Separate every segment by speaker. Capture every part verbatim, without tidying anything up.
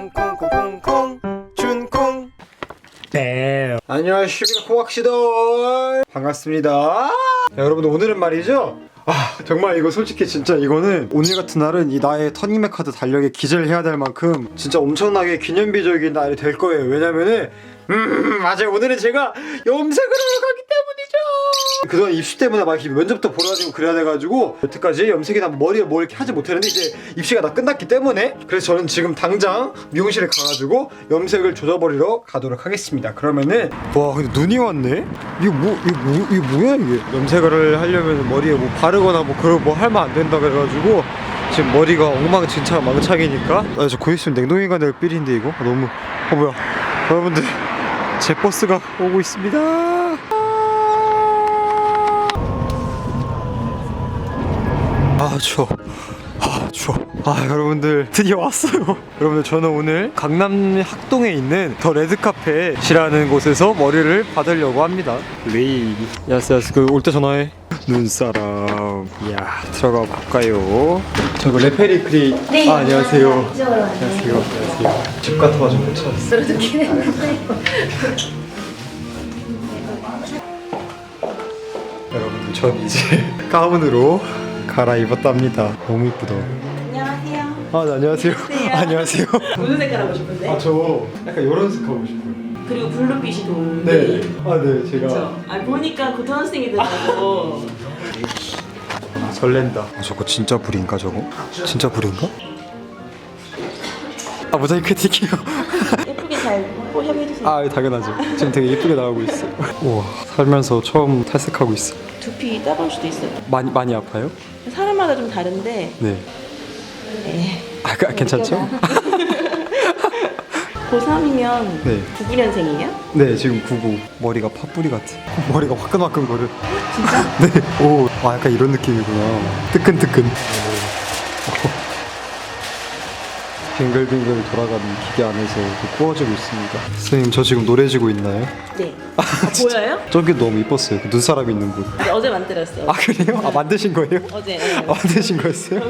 Speaker 1: 콩콩콩콩콩 준콩.
Speaker 2: 네. 안녕하십니까 코악시돌 반갑습니다. 야, 여러분들 오늘은 말이죠, 아 정말 이거 솔직히 진짜 이거는 오늘 같은 날은 이 나의 터닝맥 카드 달력에 기재를 해야 될 만큼 진짜 엄청나게 기념비적인 날이 될 거예요. 왜냐면은 음 맞아요, 오늘은 제가 염색을 하러 가기 때문이죠. 그동안 입시 때문에 막 이렇게 면접도 보러 다니고 그래야 돼가지고 여태까지 염색이나 머리에 뭘 이렇게 하지 못했는데 이제 입시가 다 끝났기 때문에, 그래서 저는 지금 당장 미용실에 가가지고 염색을 조져버리러 가도록 하겠습니다. 그러면은 와 근데 눈이 왔네? 이거 뭐 이거 뭐 이거 뭐야 이게? 염색을 하려면 머리에 뭐 바르거나 뭐 그런 뭐 하면 안 된다 그래가지고 지금 머리가 엉망진창 망창이니까. 아 저 곧 있으면 냉동이 가될 삘인데 이거 아, 너무 어 뭐야 여러분들, 제 버스가 오고 있습니다. 아 추워. 아 추워. 아 여러분들 드디어 왔어요. 여러분들 저는 오늘 강남 학동에 있는 더 레드카펫이라는 곳에서 머리를 받으려고 합니다. 레이. 야스 야스 그 올 때 전화해. 눈사람. 야 들어가 볼까요? 저 이거 레페리 크리.
Speaker 3: 네.
Speaker 2: 아, 안녕하세요.
Speaker 3: 안녕하세요.
Speaker 2: 안녕하세요. 안녕하세요. 집 같아가지고 못 찾았어.
Speaker 3: 그렇긴 했는데.
Speaker 2: 여러분들 전 이제 가운으로 갈아입었답니다. 너무 이쁘다.
Speaker 3: 안녕하세요.
Speaker 2: 아 네, 안녕하세요.
Speaker 3: 안녕하세요.
Speaker 2: 안녕하세요.
Speaker 3: 무슨 색깔 하고 싶은데?
Speaker 2: 아 저 약간 이런 색 하고 싶어요.
Speaker 3: 그리고 블루빛이 도는데.
Speaker 2: 네. 아 네 제가.
Speaker 3: 그쵸? 아 보니까 고등학생이더라고.
Speaker 2: 아, 설렌다. 아, 저거 진짜 불인가 저거? 진짜 불인가? 아 모자이크 틱이요.
Speaker 3: 예쁘게 잘 포샵해주세요.
Speaker 2: 아 당연하죠. 지금 되게 예쁘게 나오고 있어요. 우와 살면서 처음 탈색하고 있어.
Speaker 3: 두피 따가울 수도 있어요.
Speaker 2: 많이 많이 아파요?
Speaker 3: 사람마다 좀 다른데.
Speaker 2: 네.
Speaker 3: 네.
Speaker 2: 아 그, 괜찮죠?
Speaker 3: 고삼이면
Speaker 2: 네.
Speaker 3: 구구 년생이에요?
Speaker 2: 네 지금 구구. 머리가 팥뿌리 같아. 머리가 화끈화끈 거려.
Speaker 3: 진짜?
Speaker 2: 네. 오, 아 약간 이런 느낌이구나. 뜨끈뜨끈. 빙글빙글 돌아가는 기계 안에서 구워지고 있습니다. 선생님 저 지금 노래지고 있나요?
Speaker 3: 네. 아, 보여요?
Speaker 2: 저기 너무 이뻤어요. 그 눈사람 있는 곳.
Speaker 3: 네, 어제 만들었어요.
Speaker 2: 아 그래요? 아 만드신 거예요?
Speaker 3: 어제. 네.
Speaker 2: 아, 만드신 거였어요?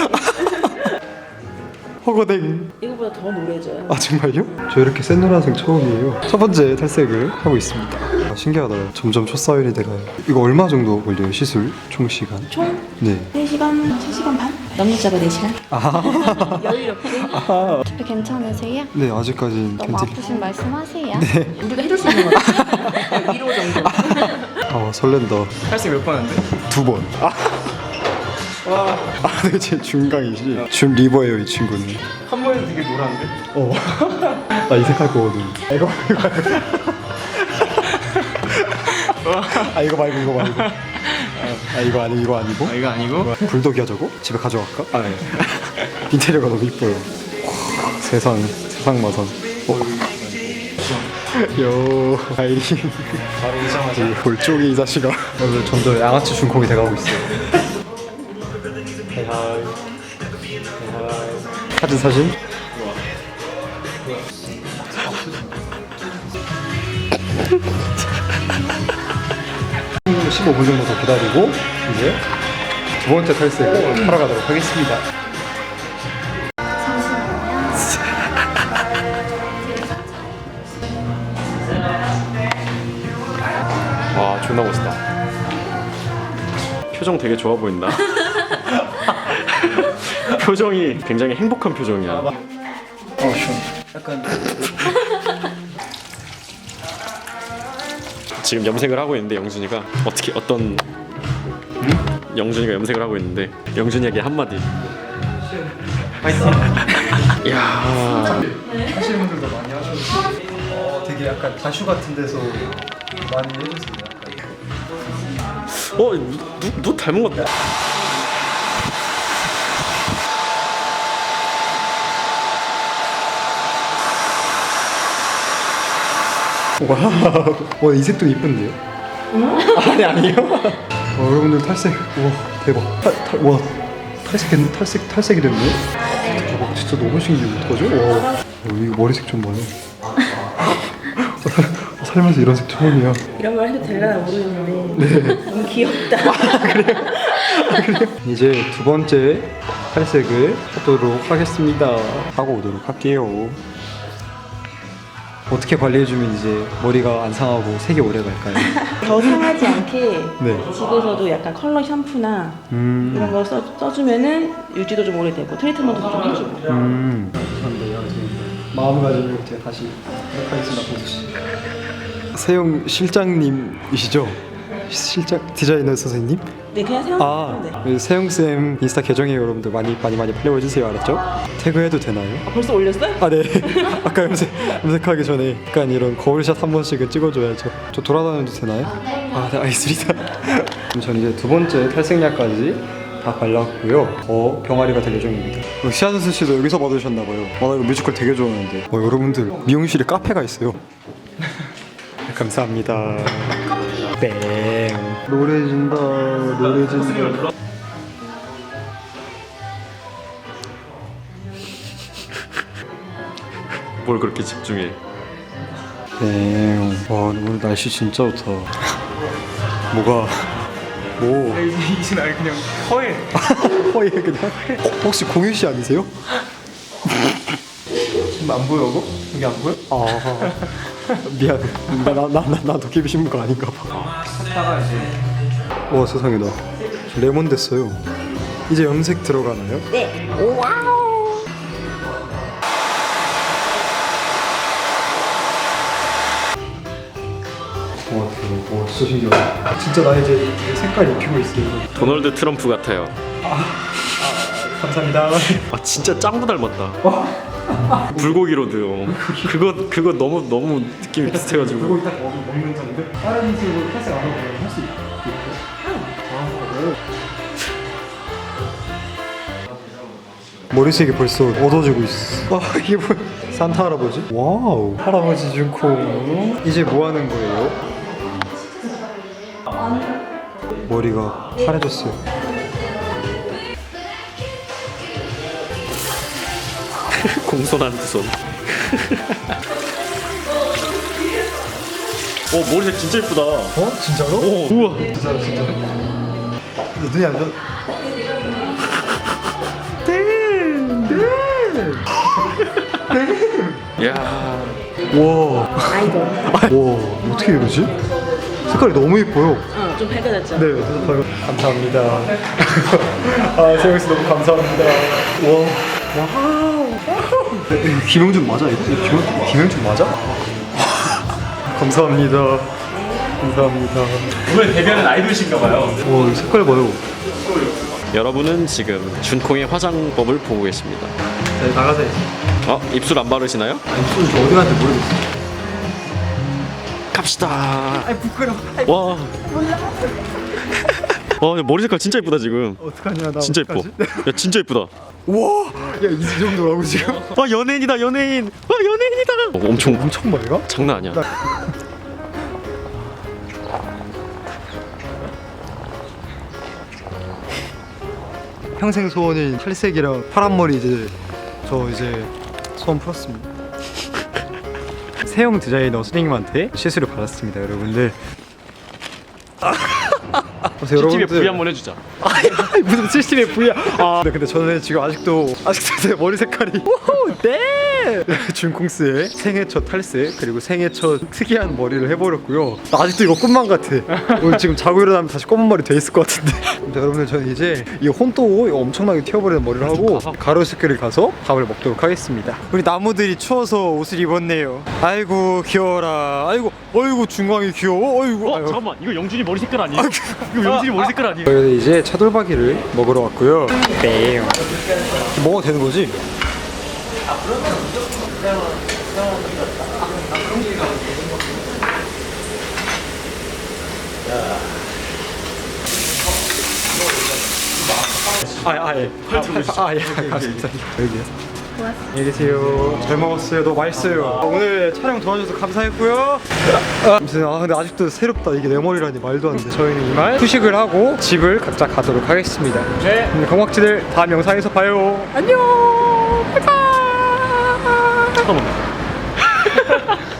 Speaker 2: 허거댕.
Speaker 3: 이거보다 더 노래져요.
Speaker 2: 아 정말요? 저 이렇게 센 노란색 처음이에요. 첫 번째 탈색을 하고 있습니다. 아, 신기하다. 점점 첫사연이 돼가요. 이거 얼마 정도 걸려요? 시술 총 시간?
Speaker 3: 총
Speaker 2: 네.
Speaker 3: 세 시간, 세 시간 반? 남자가 네 시간?
Speaker 2: 아,
Speaker 3: 여유롭게?
Speaker 2: 아.
Speaker 4: 괜찮으세요?
Speaker 2: 네 아직까지는
Speaker 4: 너무
Speaker 2: 괜찮.
Speaker 4: 아프신 말씀하세요.
Speaker 2: 네.
Speaker 3: 우리가 해줄 수 있는 거 같아. 위로 정도.
Speaker 2: 아 설렌다.
Speaker 1: 탈색 몇 번 했는데?
Speaker 2: 두 번. 아. 와. 아, 네, 제 중강이시. 준 리버예요, 이 친구는.
Speaker 1: 한 번에 되게 노란데?
Speaker 2: 어. 나 이 색깔 거거든. 아, 이거 말고. 아, 이거 말고, 이거 말고. 아, 이거 아니, 이거 아니고.
Speaker 1: 아 이거 아니고?
Speaker 2: 불독이야, 저거? 집에 가져갈까? 아, 네. 인테리어가 너무 이뻐요. 세상, 세상 마선. 어. 요, 아이린.
Speaker 1: 바로 오자마자
Speaker 2: 이 골쪽이 이 자식아. 오늘 점점 양아치 중콩이 돼가고 있어요. 헤이하이. 사진 사진. 십오 분 정도 더 기다리고 이제 두 번째 탈색을 하러 가도록 하겠습니다.
Speaker 5: 와 존나 멋있다. 표정 되게 좋아 보인다. 표정이 굉장히 행복한 표정이야.
Speaker 1: 어 시원. 약간
Speaker 5: 지금 염색을 하고 있는데 영준이가 어떻게 어떤 응? 영준이가 염색을 하고 있는데 영준이에게 한마디.
Speaker 1: 파이팅.
Speaker 5: 이야.
Speaker 2: 하시는 분들도 많이 하셔서 어, 되게 약간 다슈 같은 데서 많이 해주세요. 약간.
Speaker 5: 어 누, 누 닮은 것 같다.
Speaker 2: 와우. 와, 이 색도 이쁜데요? 아니 아니요. 와, 여러분들 탈색. 와 대박. 탈, 탈, 와 탈색 탈색 탈색이 됐네. 대박. 진짜 너무 신기해. 어떡하죠? 와. 어, 이거 머리색 좀 봐요. 살면서 이런 색 처음이야.
Speaker 3: 이런 말 해도 되려나 모르겠는데 너무 귀엽다.
Speaker 2: 이제 두 번째 탈색을 하도록 하겠습니다. 하고 오도록 할게요. 어떻게 관리해주면 이제 머리가 안 상하고 색이 오래 갈까요?
Speaker 3: 더 상하지 않게
Speaker 2: 네.
Speaker 3: 집에서도 약간 컬러 샴푸나
Speaker 2: 음.
Speaker 3: 이런 거 써, 써주면은 유지도 좀 오래되고 트리트먼트도 좀 해주고.
Speaker 2: 음. 감사합니다. 마음가짐을 제가 다시 하겠습니다. 보수씨. 세용 실장님이시죠? 실장 디자이너 선생님?
Speaker 3: 네, 그냥
Speaker 2: 아,
Speaker 3: 생각하면 돼.
Speaker 2: 세용쌤 인스타 계정에 여러분들 많이 많이 많이 팔로우해주세요. 알았죠? 태그해도 되나요?
Speaker 3: 아, 벌써 올렸어요?
Speaker 2: 아, 네. 아까 염색, 염색하기 전에 약간 이런 거울샷 한 번씩은 찍어줘야죠. 저 돌아다녀도 되나요? 아, 네, 알겠습니다. 그럼 전 이제 두 번째 탈색약까지 다 발랐고요. 더 병아리가 될 예정입니다. 시아누스 씨도 여기서 받으셨나봐요. 아, 나 이거 뮤지컬 되게 좋아하는데. 어, 여러분들 미용실에 카페가 있어요. 감사합니다. 뺑. 노래진다, 노래진다.
Speaker 5: 뭘 그렇게 집중해?
Speaker 2: 뺑. 와, 오늘 날씨 진짜 좋다. 뭐가? 뭐?
Speaker 1: 이제 날 그냥 허해.
Speaker 2: 허예 그냥. 어, 혹시 공유 씨 아니세요?
Speaker 1: 지금 안 보여, 이거? 이게 안 보여?
Speaker 2: 아, 미안. 나나나나 도깨비 신부가 아닌가 봐.
Speaker 1: 하다가 이제
Speaker 2: 와, 세상에 나 레몬 됐어요. 이제 염색 들어가나요?
Speaker 3: 네.
Speaker 2: 와, 대박. 와, 진짜 신기하다. 진짜 나 이제 색깔 입히고 있어요.
Speaker 5: 도널드 트럼프 같아요.
Speaker 2: 감사합니다.
Speaker 5: 아 진짜 짱구 닮았다. 불고기 로드. 어. 그거 그거 너무 너무 느낌이 비슷해가지고.
Speaker 2: 그거 이따 먹, 먹는 건데 다른 식으로 탈색 안 하고 할 수 있겠죠? 머리색이 벌써 어두워지고 있어. 아, 이게 뭐야? 산타 할아버지? 와우. 할아버지 준콩. 이제 뭐 하는 거예요? 머리가 파래졌어요.
Speaker 5: 공손한 두 손. 어 머리색 진짜 예쁘다.
Speaker 2: 어? 진짜로?
Speaker 5: 오 우와.
Speaker 2: 진짜로 진짜로? 눈이 안 좋아.
Speaker 5: 야
Speaker 2: 와.
Speaker 3: 아이돌.
Speaker 2: 와, 어떻게 이러지? 색깔이 너무 예뻐요.
Speaker 3: 어, 좀 밝아졌죠?
Speaker 2: 네, 대답하고 감사합니다. 아, 세영 씨 너무 감사합니다. 와, 와우. 김영준 맞아? 이거 김, 김영준 맞아? 감사합니다. 감사합니다.
Speaker 1: 오늘 데뷔하는 아이돌이신가봐요.
Speaker 2: 와, 이 색깔 봐요.
Speaker 5: 여러분은 지금 준콩의 화장법을 보고 계십니다.
Speaker 2: 네, 나가세요.
Speaker 5: 어 입술 안 바르시나요?
Speaker 2: 아니, 손이 저 어디 갔는지 모르겠어.
Speaker 5: 갑시다.
Speaker 2: 아이, 부끄러워.
Speaker 5: 와. 와 머리 색깔 진짜 예쁘다 지금.
Speaker 2: 어떡하냐, 나.
Speaker 5: 진짜 예뻐. 야 진짜 예쁘다.
Speaker 2: 와, 야, 이 정도라고 지금?
Speaker 5: 와 연예인이다 연예인. 와 연예인이다. 어, 엄청
Speaker 2: 엄청 맑아?
Speaker 5: 장난 아니야.
Speaker 2: 평생 소원인 탈색이랑 파란 머리 이제 저 이제 소원 풀었습니다. 세영 디자이너 선생님한테 시술을 받았습니다, 여러분들. 그래서
Speaker 5: 씨티비에 V 한번 해주자.
Speaker 2: 아니, 무슨 씨씨티비에 V야? 아, 네, 근데 저는 지금 아직도 아직도 제 머리 색깔이 오호, 네. 준콩스의 생애 첫 탈색 그리고 생애 첫 특이한 머리를 해버렸고요. 나 아직도 이거 꿈만 같아. 오늘 지금 자고 일어나면 다시 검은 머리 돼 있을 것 같은데. 근데 여러분들 저는 이제 이 혼또 이거 엄청나게 튀어버리는 머리를 하고 가로수길을 가서 밥을 먹도록 하겠습니다. 우리 나무들이 추워서 옷을 입었네요. 아이고 귀여워라. 아이고 어이구 중광이 귀여워. 어이구.
Speaker 5: 어
Speaker 2: 아이고.
Speaker 5: 잠깐만 이거 영준이 머리 색깔 아니에요? 이거 영준이 머리 색깔 아니에요?
Speaker 2: 저희는 이제 차돌박이를 먹으러 왔고요. 네. 먹어도 되는 거지? 아, 아, 예. 아, 아, 예. 감사합니다. 여기요. 안녕히 계세요. 잘 먹었어요. 너무 맛있어요. 오늘 촬영 도와줘서 감사했고요. 아무튼 아 근데 아직도 새롭다. 이게 내 머리라니 말도 안 돼. 저희는 이만 휴식을 하고 집을 각자 가도록 하겠습니다. 네. 건박지들 다음 영상에서 봐요. 안녕. 바이바이.
Speaker 5: 잠깐만.